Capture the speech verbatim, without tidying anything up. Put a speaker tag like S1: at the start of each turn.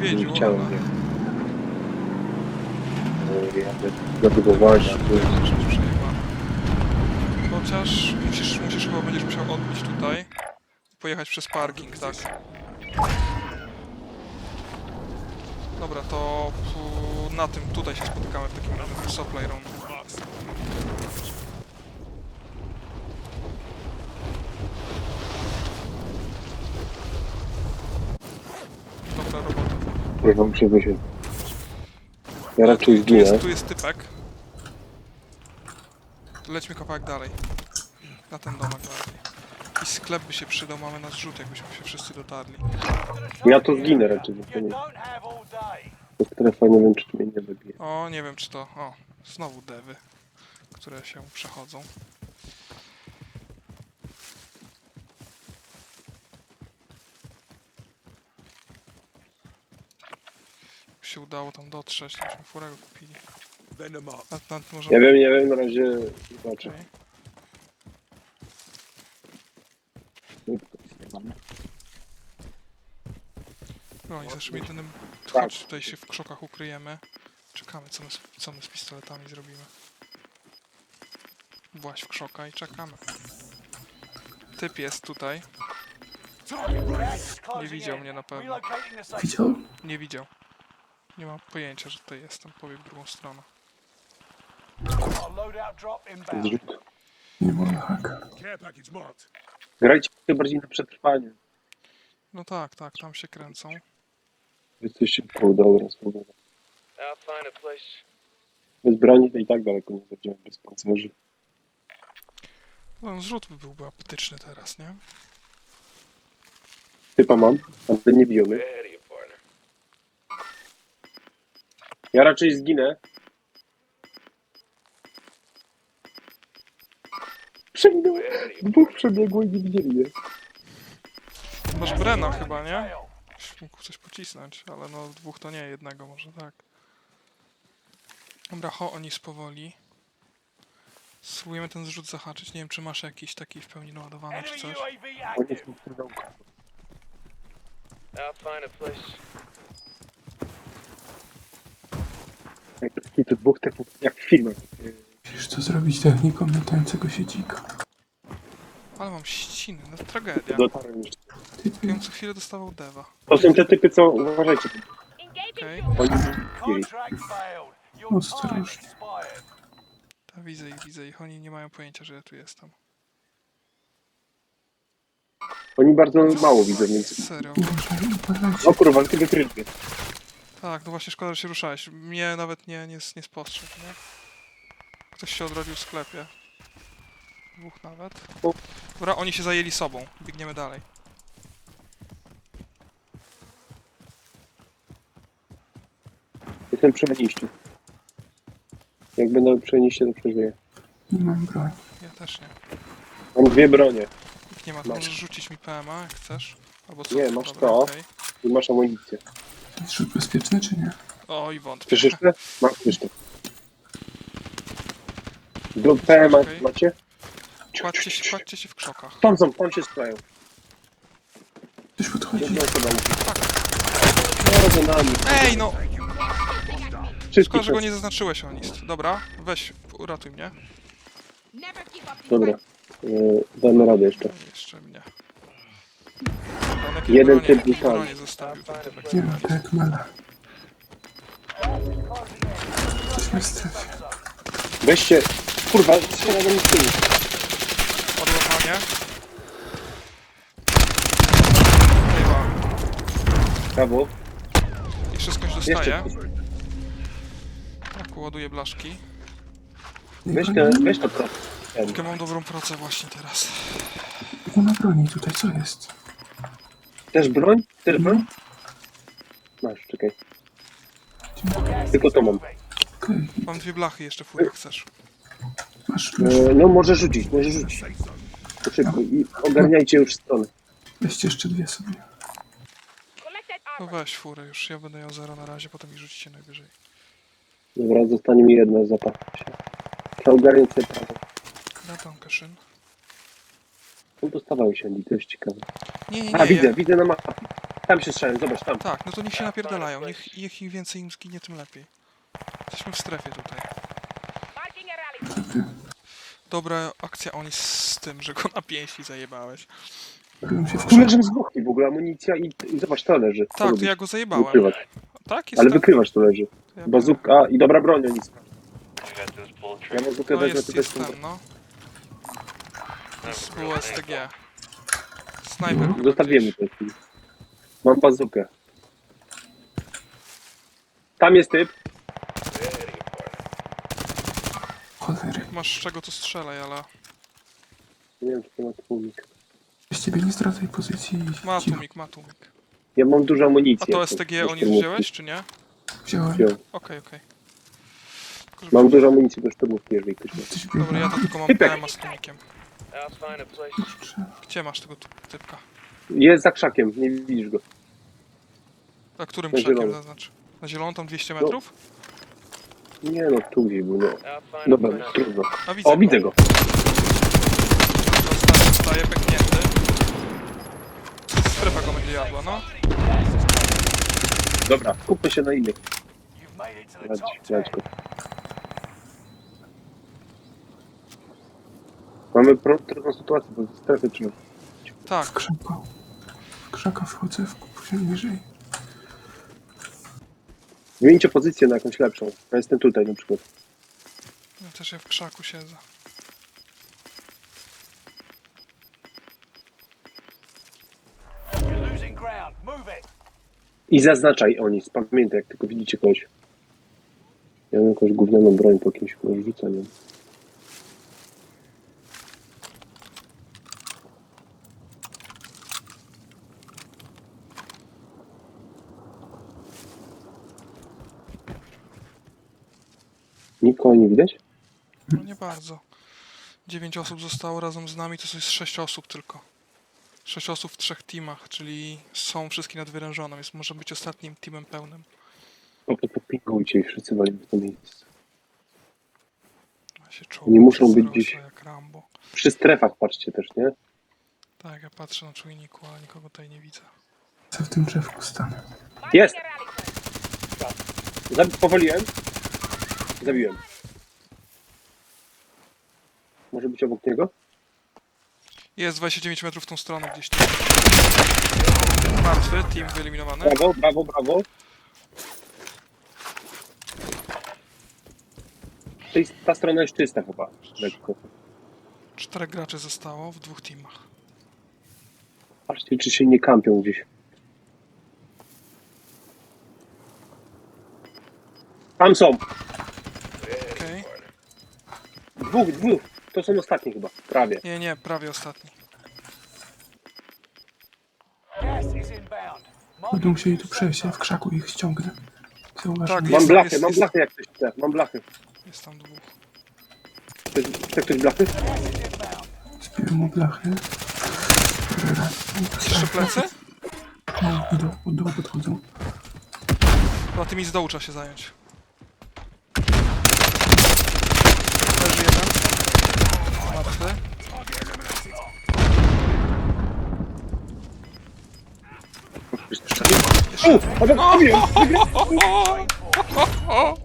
S1: niedźwiedziu,
S2: nie chciałem,
S1: ale...
S2: nie. No, jadę zabudowania, tu jest...
S1: Przejebane. Chociaż musisz, musisz chyba będziesz musiał odbić tutaj i pojechać przez parking, tak? Dobra, to pu- na tym tutaj się spotykamy w takim razie w supply room. Dobra robota.
S2: Kurwa, muszę wysiąść. Ja
S1: O,
S2: raczej
S1: tu, tu,
S2: zginę.
S1: jest, tu jest typek. Lećmy kawałek dalej. Na ten domek bardziej. I sklep by się przydał, mamy na zrzut, jakbyśmy się wszyscy dotarli.
S2: Ja to zginę raczej, bo to nie... To strefa nie wiem, czy mnie nie wybije.
S1: O, nie wiem czy to... O, znowu dewy, które się przechodzą. Się udało tam dotrzeć, myśmy furego kupili. A, na, możemy...
S2: Nie wiem, nie wiem, na razie zobaczę.
S1: Okay. No i z naszym jedynym... Chodź, tutaj się w krzokach ukryjemy. Czekamy, co my, z, co my z pistoletami zrobimy. Właź w krzoka i czekamy. Typ jest tutaj. Nie widział mnie na pewno.
S3: Widział?
S1: Nie widział. Nie mam pojęcia, że tutaj jestem. Pobiegł w drugą stronę.
S2: Zrzut.
S3: Nie mogę haka.
S2: Grajcie bardziej na przetrwanie.
S1: No tak, tak, tam się kręcą.
S2: Jesteście pół dobra, spróbuję. Bez broni to i tak daleko nie będziemy, bez pancerzy.
S1: No, zrzut by byłby apetyczny teraz, nie?
S2: Typa mam, ale nie biją mnie. Ja raczej zginę. Przeminąłem. Dwóch przebiegło i nie widzieli mnie.
S1: Masz Brena chyba, nie? Mógł coś pocisnąć, ale no dwóch to nie, jednego może tak. Dobra, ho, oni spowoli. Spróbujemy ten zrzut zahaczyć. Nie wiem, czy masz jakiś taki w pełni naładowany, czy coś.
S2: On jest mi pudełko. Jak taki to dwóch typów, jak w filmach.
S3: Musisz co zrobić techniką latającego się dzika.
S1: Ale mam ściny, no tragedia.
S2: Dotarłem już.
S3: Typy,
S1: Ja bym co chwilę dostawał dewa.
S2: To są te typy, co... Uważajcie.
S1: Okej,
S2: Oni zginęli.
S3: ostrożnie.
S1: ta widzę ich, widzę ich. Oni nie mają pojęcia, że ja tu jestem.
S2: Oni bardzo mało widzą, więc...
S1: Serio.
S3: Uważaj, uważajcie.
S2: O kurwa, ale tego krytnie.
S1: Tak, no właśnie szkoda, że się ruszałeś. Mnie nawet nie, nie, nie spostrzegł, nie? Ktoś się odrodził w sklepie. Dwóch nawet. Dobra, oni się zajęli sobą. Biegniemy dalej.
S2: Jestem przy meniście. Jak będę przy meniście, to przeżyję.
S3: Nie mam broni.
S1: Ja też nie.
S2: Mam dwie bronie.
S1: Jak nie ma, to
S2: Masz.
S1: możesz rzucić mi P M A, jak chcesz. Albo co?
S2: Nie, masz
S1: Dobra,
S2: to.
S1: okej.
S2: I masz amunicję.
S3: Jest rzut bezpieczny czy nie?
S1: Oj, wątpię.
S2: Chcesz jeszcze? Masz jeszcze. Do P M A
S1: Okej.
S2: macie?
S1: Kładźcie się, kładźcie się w krzokach.
S2: Tam są, tam się sprają.
S3: Ktoś podchodzi.
S2: Jedna osoba musi.
S1: Tak.
S2: No, za nami.
S1: Ej, no!
S2: Wszystkich
S1: Szkoda, że go
S2: nas-
S1: nie zaznaczyłeś, Onist. Dobra, weź, uratuj mnie.
S2: Dobra. Yy, damy radę jeszcze.
S1: No i jeszcze mnie. On jakieś
S2: Jeden
S1: bronie,
S2: typ
S1: jakieś
S2: wypadł.
S1: bronie zostawił ten typek.
S3: Nie ma tak mala. Jesteśmy w strefie.
S2: Weźcie. Kurwa, strzela do mnie z tyłu.
S1: Odłamanie. Chyba.
S2: Brawo.
S1: Jeszcze skądś
S2: Jeszcze.
S1: dostaje. Tak, ładuję blaszki.
S2: Weź te, weź to pro. Ten.
S1: Tylko mam dobrą pracę właśnie teraz.
S3: Nie ma broni tutaj, co jest?
S2: Też broń? Też broń? Masz, czekaj. Tylko to mam.
S3: Okej,
S1: Mam dwie blachy jeszcze, fur, jak chcesz.
S3: masz masz.
S2: E, no może rzucić, może rzucić. To szybko i ogarniajcie już stronę.
S3: Weźcie jeszcze dwie sobie.
S1: No weź furę już, ja będę ją zero na razie, potem mi rzucicie najwyżej.
S2: Dobra, zostanie mi jedna zapach. Trzeba ogarniać sobie prawo.
S1: Na tamkę szyn.
S2: On dostawał się, to jest ciekawe.
S1: Nie, nie, nie.
S2: A, widzę,
S1: ja...
S2: widzę na mapie. Tam się strzelają, zobacz, tam.
S1: Tak, no to niech się napierdalają. Niech, niech im więcej im zginie, tym lepiej. Jesteśmy w strefie tutaj.
S3: Co ty?
S1: Dobra akcja oni z tym, że go na pięści zajebałeś.
S3: Byłem się w
S2: Tu
S3: krzaku.
S2: leżą z boku w ogóle amunicja i, i zobacz, to leży. Co
S1: Tak, to
S2: robisz?
S1: ja go zajebałem.
S2: Wykrywasz.
S1: Tak, jest
S2: Ale
S1: tak.
S2: wykrywasz, to leży.
S1: To ja
S2: Bazuka i dobra broń, oni. Ja
S1: biorę.
S2: bazukę
S1: No
S2: wezmę
S1: jest,
S2: tutaj
S1: jest
S2: stąd.
S1: ten, no. To było S T G. Snajper chyba
S2: Zostawiemy
S1: gdzieś.
S2: to. Mam bazukę. Tam jest typ.
S3: Cholery.
S1: Masz z czego to strzelaj, ale...
S2: Nie wiem, czy to ma tłumik.
S3: Z ciebie nie zdradzaj pozycji.
S1: Ma
S3: Cicho.
S1: tłumik, ma tłumik.
S2: Ja mam dużo amunicji.
S1: A to
S2: jak
S1: S T G
S2: do
S1: oni
S2: szturmówki.
S1: wziąłeś, czy nie?
S3: Wziąłem.
S2: Wziąłem.
S1: Okej, okej. Tylko żeby-
S2: Mam dużo amunicji do szturmówki, jeżeli ktoś ma.
S3: Coś
S1: Dobra, ja to tylko mam
S2: Typek.
S1: P M A z tłumikiem. Gdzie masz tego tu- typka?
S2: Jest za krzakiem, nie widzisz go.
S1: A którym
S2: Na
S1: krzakiem
S2: zielono.
S1: zaznacz? Na zieloną tam dwieście metrów?
S2: Nie no, tu gdzieś był, no. Dobra, trudno.
S1: A widzę
S2: O,
S1: go.
S2: widzę go.
S1: Zostaje, zostaje pęknięty. Strefa go będzie jadła, no.
S2: Dobra, skupmy się na innych. Radź, radź go. Mamy pro, trudną sytuację, bo w strefie trzeba.
S1: Tak,
S3: W krzaka. W krzaka wchodzę w poziom niżej.
S2: Zmieńcie pozycję na jakąś lepszą. Ja jestem tutaj na przykład.
S1: ja też ja w krzaku siedzę.
S4: You're losing ground. Move it.
S2: I zaznaczaj oni, pamiętaj, jak tylko widzicie kogoś. Ja mam jakąś gównianą broń po kimś rzuceniu. Nikogo nie widać?
S1: No nie bardzo. Dziewięć osób zostało razem z nami, to jest sześć osób tylko. Sześć osób w trzech teamach, czyli są wszystkie nadwyrężone, więc może być ostatnim teamem pełnym.
S2: Po prostu pingujcie i wszyscy walimy w to miejsce.
S1: Ja się czuł,
S2: Nie muszą być
S1: zarosła
S2: gdzieś-
S1: jak Rambo.
S2: Przy strefach patrzcie też, nie?
S1: Tak, ja patrzę na czujniku, ale nikogo tutaj nie widzę.
S3: Co w tym drzewku stanę?
S2: Jest! Zabi- powoliłem. Zabiłem. Może być obok niego?
S1: Jest dwadzieścia dziewięć metrów w tą stronę gdzieś tam. Martwy, team wyeliminowany.
S2: Brawo, brawo, brawo. Tej- Ta strona jest czysta chyba. Lekko.
S1: Czterech graczy zostało w dwóch teamach.
S2: Patrzcie, czy się nie kampią gdzieś. Tam są!
S1: Okej.
S2: Dwóch, dwóch! To są ostatnie chyba. Prawie.
S1: Nie, nie, prawie ostatni.
S4: Gas is inbound.
S3: Będą musieli tu przejść, ja w krzaku ich ściągnę. Zauważ
S1: Tak,
S3: mnie.
S2: Mam
S1: Jest-
S2: blachę,
S1: jest-
S2: mam
S1: jest-
S2: blachę jak ktoś chce. Mam blachę.
S1: Jest tam dwóch.
S2: Chce, chce ktoś blachy?
S3: Zbiorę mu blachy. Cholera.
S1: Jeszcze plecy?
S3: No, idą, od dołu podchodzą.
S1: No tymi z dołu trzeba się zająć. Leży jeden. Martwy.
S2: U! Obok, zabiłem!
S1: O!